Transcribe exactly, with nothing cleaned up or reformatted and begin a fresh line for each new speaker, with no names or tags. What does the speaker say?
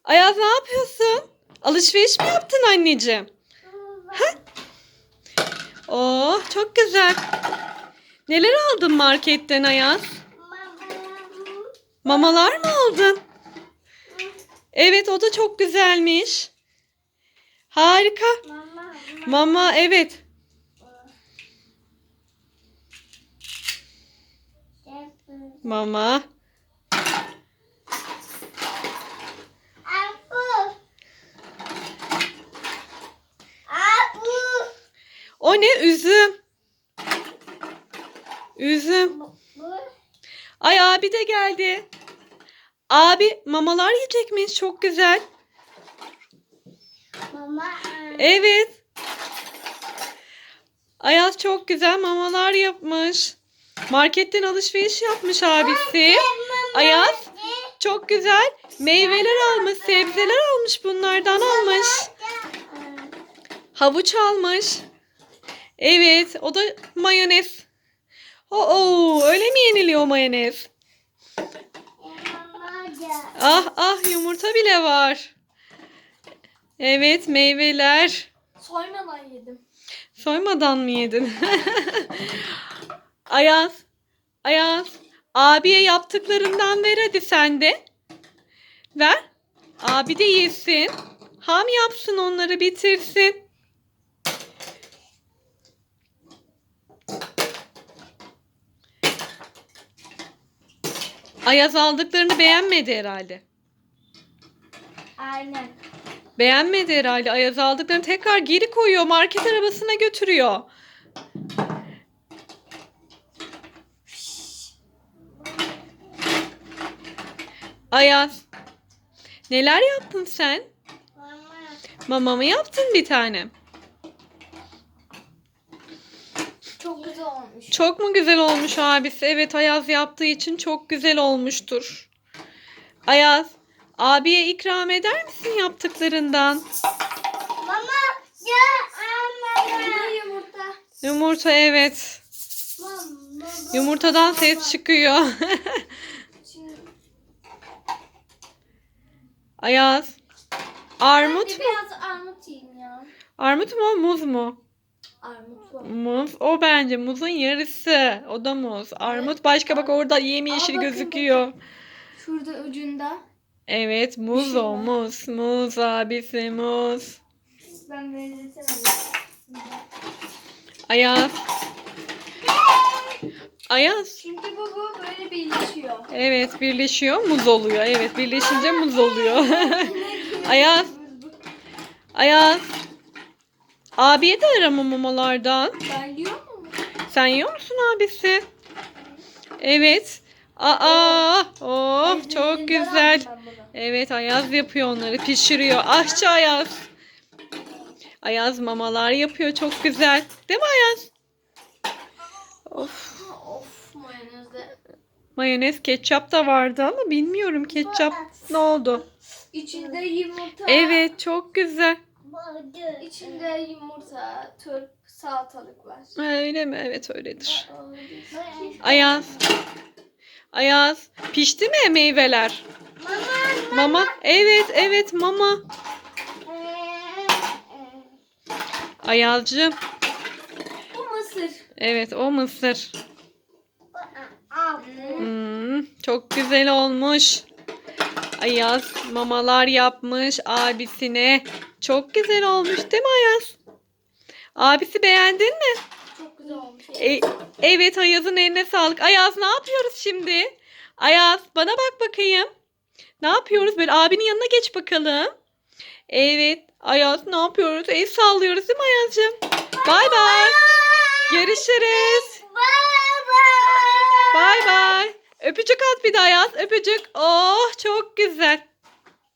Ayaz ne yapıyorsun? Alışveriş mi yaptın anneciğim? Ha? Oh çok güzel. Neler aldın marketten Ayaz? Mamalar mı aldın? Evet o da çok güzelmiş. Harika. Mama evet. Mama. O ne? Üzüm. Üzüm. Ay abi de geldi. Abi mamalar yiyecekmiş. Çok güzel. Evet. Ayaz çok güzel mamalar yapmış. Marketten alışveriş yapmış abisi. Ayaz çok güzel meyveler almış, sebzeler almış, bunlardan almış. Havuç almış. Evet, o da mayonez. Oo, öyle mi yeniliyor mayonez? Ah ah yumurta bile var. Evet, meyveler.
Soymadan yedim.
Soymadan mı yedin? Ayaz, Ayaz, abiye yaptıklarından ver hadi sen de. Ver. Abi de yesin. Ham yapsın onları bitirsin. Ayaz aldıklarını beğenmedi herhalde.
Aynen.
Beğenmedi herhalde. Ayaz aldıklarını tekrar geri koyuyor. Market arabasına götürüyor. Ayaz. Neler yaptın sen? Mama mı yaptın bir tane?
Çok güzel olmuş.
Çok mu güzel olmuş abisi? Evet Ayaz yaptığı için çok güzel olmuştur. Ayaz, abiye ikram eder misin yaptıklarından?
Mama ya yumurta.
Yumurta evet.
Mama,
Yumurtadan ses çıkıyor. Ayaz. Armut
Ben de
mu?
biraz armut yiyeyim ya.
Armut mu muz mu?
Armut var.
Muz. O bence muzun yarısı. O da muz. Armut başka bak orada yemyeşil
Aa, bakın,
gözüküyor.
Şurada ucunda.
Evet muz
şey
o
var.
muz. Muz abisi muz.
Ben benzetemedim.
Ayaz. Ayaz.
Çünkü bu, bu böyle birleşiyor.
Evet birleşiyor muz oluyor. Evet birleşince muz oluyor. Ayaz. Ayaz. Abiye de arama mamalardan.
Ben yiyor mu?
Sen yiyor musun abisi? Evet. Aa, oh çok güzel. Evet Ayaz yapıyor onları, pişiriyor. Aşçı Ayaz. Ayaz mamalar yapıyor çok güzel. Değil mi Ayaz? Of.
Of mayonezde.
Mayonez, ketçap da vardı ama bilmiyorum ketçap ne oldu?
İçinde yumurta.
Evet çok güzel.
İçinde yumurta, turp, salatalık var.
Öyle mi? Evet öyledir. Ayaz. Ayaz. Pişti mi meyveler? Mama. Evet evet mama. Ayazcığım.
Bu mısır.
Evet o mısır. Hmm, çok güzel olmuş. Ayaz mamalar yapmış abisine. Çok güzel olmuş değil mi Ayaz? Abisi beğendin mi?
Çok güzel olmuş.
E, evet Ayaz'ın eline sağlık. Ayaz ne yapıyoruz şimdi? Ayaz bana bak bakayım. Ne yapıyoruz? Böyle abinin yanına geç bakalım. Evet Ayaz ne yapıyoruz? El sallıyoruz değil mi Ayaz'cığım? Bay bay. Görüşürüz. Bay bay. Öpücük at bir de Ayaz. Öpücük. Oh çok güzel.